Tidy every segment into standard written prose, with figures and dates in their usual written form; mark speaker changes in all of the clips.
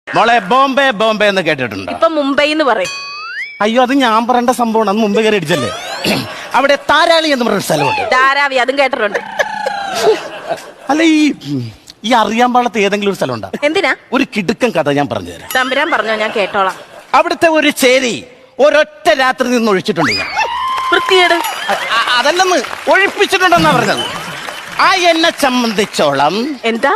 Speaker 1: മോളെ ബോംബെ ബോംബെ എന്ന് കേട്ടിട്ടുണ്ട്.
Speaker 2: ഇപ്പൊ മുംബൈ എന്ന് പറയും.
Speaker 1: അയ്യോ അത് ഞാൻ പറയേണ്ട സംഭവമാണ്. അന്ന് മുമ്പ് കയറി അടിച്ചല്ലേ. അവിടെ താരാളി എന്ന് പറഞ്ഞ സ്ഥലമുണ്ട്.
Speaker 2: ധാരാവി, അതും കേട്ടിട്ടുണ്ട്.
Speaker 1: അല്ല ഈ അറിയാൻ പാടത്ത് ഏതെങ്കിലും ഒരു സ്ഥലം ഉണ്ടോ?
Speaker 2: എന്തിനാ?
Speaker 1: ഒരു കിടുക്കൻ കഥ ഞാൻ പറഞ്ഞു തരാം.
Speaker 2: തമ്പുരാൻ പറഞ്ഞോ, ഞാൻ കേട്ടോളാം.
Speaker 1: അവിടുത്തെ ഒരു ചേരി ഒരൊറ്റ രാത്രി നിന്ന് ഒഴിച്ചിട്ടുണ്ട്.
Speaker 2: വൃത്തിയേട്
Speaker 1: അതല്ലെന്ന്, ഒഴിപ്പിച്ചിട്ടുണ്ടെന്നാ പറഞ്ഞത്. ആ എന്നെ സംബന്ധിച്ചോളം
Speaker 2: എന്താ?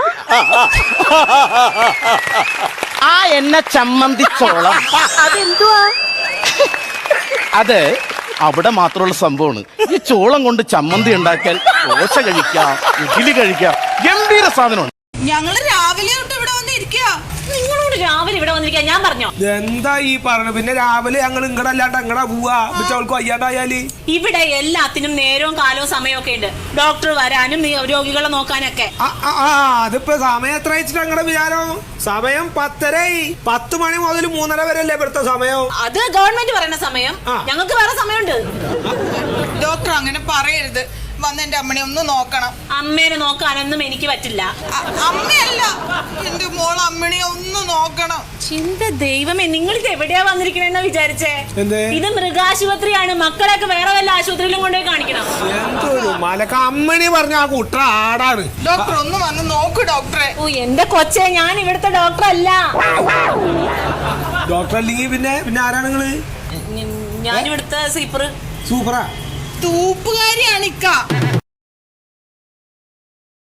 Speaker 1: ആ എന്നെ സംബന്ധിച്ചോളം
Speaker 2: അതെന്തുവാ?
Speaker 1: അത് അവിടെ മാത്രമുള്ള സംഭവമാണ്. ഈ ചോളം കൊണ്ട് ചമ്മന്തി ഉണ്ടാക്കിയാൽ ദോശ കഴിക്കാം, ഇഡ്ഡലി കഴിക്കാം, ഗംഭീര സാധനമാണ്.
Speaker 3: ഞങ്ങള് രാവിലെ തൊട്ട് ഇവിടെ വന്നിരിക്കുക.
Speaker 2: നിങ്ങളോട് രാവിലെ ഇവിടെ വന്നിരിക്കാൻ ഞാൻ പറഞ്ഞോ?
Speaker 4: എന്താ ഈ പറഞ്ഞു? പിന്നെ രാവിലെ ഞങ്ങൾ ഇങ്ങടല്ലാണ്ട് അങ്ങടാ പോവാ. അവൾക്ക് വയ്യാണ്ടായാല്
Speaker 5: ഇവിടെ എല്ലാത്തിനും നേരവും കാലവും സമയമൊക്കെ ഉണ്ട്. ഡോക്ടർ വരാനും രോഗികളെ നോക്കാനൊക്കെ.
Speaker 4: അതിപ്പോ സമയം എത്ര വെച്ചിട്ട് ഞങ്ങളുടെ വിചാരം? സമയം 10:30. 10 മണി മുതൽ 3:30 വരെ അല്ലേ ഇവിടുത്തെ സമയം?
Speaker 5: അത് ഗവൺമെന്റ് പറയുന്ന സമയം. ഞങ്ങൾക്ക് വേറെ സമയമുണ്ട്.
Speaker 3: ഡോക്ടർ അങ്ങനെ പറയരുത്. വന്ന് എന്റെ അമ്മനെ ഒന്ന് നോക്കണം.
Speaker 5: അമ്മേനെ നോക്കാനൊന്നും എനിക്ക് പറ്റില്ല.
Speaker 3: അമ്മയല്ല, എന്റെ മോൾ അമ്മനെ ഒന്ന് നോക്കണം.
Speaker 5: ചിന്ത ദൈവമേ, നിങ്ങളിത് എവിടെയാ വന്നിരിക്കണെന്നാ വിചാരിച്ചേ? ഇത് മൃഗാശുപത്രിയാണ്. മക്കളെയൊക്കെ വേറെ വല്ല ആശുപത്രിയിലും കൊണ്ടുപോയി കാണിക്കണം.
Speaker 4: മലക്ക അമ്മണി പറഞ്ഞ ആ കുട്ട ആടാണ്.
Speaker 3: ഡോക്ടർ ഒന്ന് വന്ന് നോക്ക് ഡോക്ടറെ.
Speaker 5: ഓ എന്റെ കൊച്ചെ, ഞാൻ ഇവിടുത്തെ ഡോക്ടർ അല്ല.
Speaker 4: ഡോക്ടർ അല്ലെങ്കിൽ പിന്നെ ആരാണ് നിങ്ങള്?
Speaker 5: ഞാൻ ഇവിടുത്തെ സൂപ്പറാ.
Speaker 3: തൂപ്പുകാരിയാണ് ഇക്ക.